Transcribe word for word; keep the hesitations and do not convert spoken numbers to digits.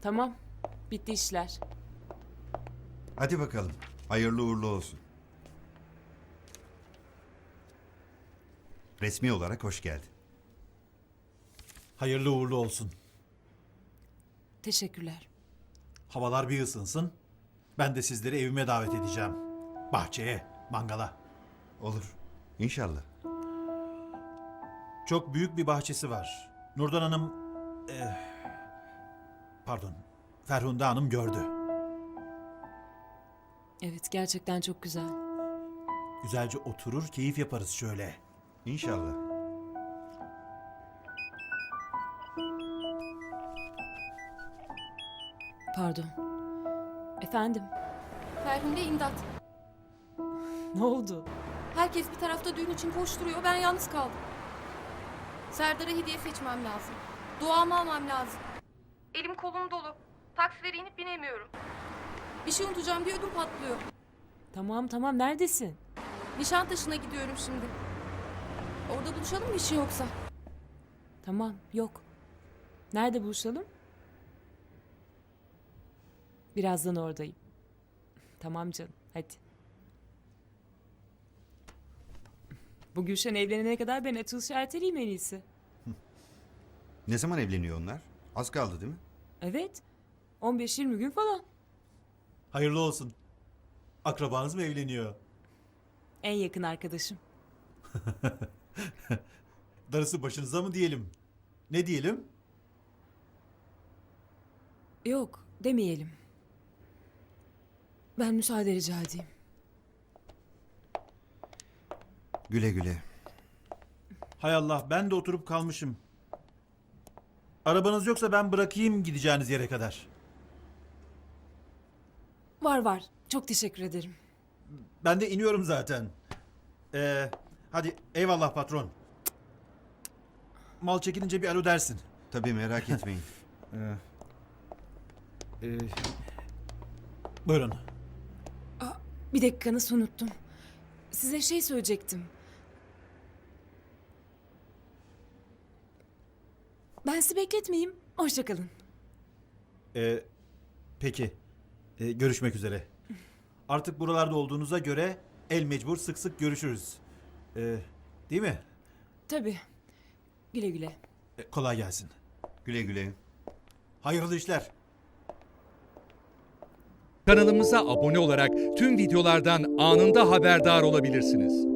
Tamam. Bitti işler. Hadi bakalım. Hayırlı uğurlu olsun. Resmi olarak hoş geldin. Hayırlı uğurlu olsun. Teşekkürler. Havalar bir ısınsın. Ben de sizleri evime davet edeceğim. Bahçeye, mangala. Olur. İnşallah. Çok büyük bir bahçesi var. Nurdan Hanım... eh, pardon. Ferhunde Hanım gördü. Evet, gerçekten çok güzel. Güzelce oturur, keyif yaparız şöyle. İnşallah. Pardon. Efendim, Ferhunde imdat. ne oldu? Herkes bir tarafta düğün için koşturuyor. Ben yalnız kaldım. Serdar'a hediye seçmem lazım. Duamı almam lazım. Elim kolum dolu. Taksilere inip binemiyorum. Bir şey unutacağım diye ödüm patlıyor. Tamam tamam, neredesin? Nişantaşı'na gidiyorum şimdi. Orada buluşalım mı işin yoksa? Tamam, yok. Nerede buluşalım? Birazdan oradayım. Tamam canım, hadi. Bu Gülşen evlenene kadar ben açılışı erteleyeyim en iyisi. Ne zaman evleniyor onlar? Az kaldı değil mi? Evet, on beş yirmi gün falan. Hayırlı olsun. Akrabanız mı evleniyor? En yakın arkadaşım. Darısı başınıza mı diyelim? Ne diyelim? Yok, demeyelim. Ben müsaade rica edeyim. Güle güle. Hay Allah, ben de oturup kalmışım. Arabanız yoksa ben bırakayım gideceğiniz yere kadar. Var var, çok teşekkür ederim. Ben de iniyorum zaten. Ee, hadi eyvallah patron. Mal çekilince bir alo dersin. Tabii, merak etmeyin. Ee, buyurun. Aa, bir dakika, nasıl unuttum. Size şey söyleyecektim. Ben sizi bekletmeyeyim. Hoşça kalın. Ee, peki. Ee, görüşmek üzere. Artık buralarda olduğunuza göre el mecbur sık sık görüşürüz. Ee, değil mi? Tabii. Güle güle. Ee, kolay gelsin. Güle güle. Hayırlı işler. Kanalımıza abone olarak tüm videolardan anında haberdar olabilirsiniz.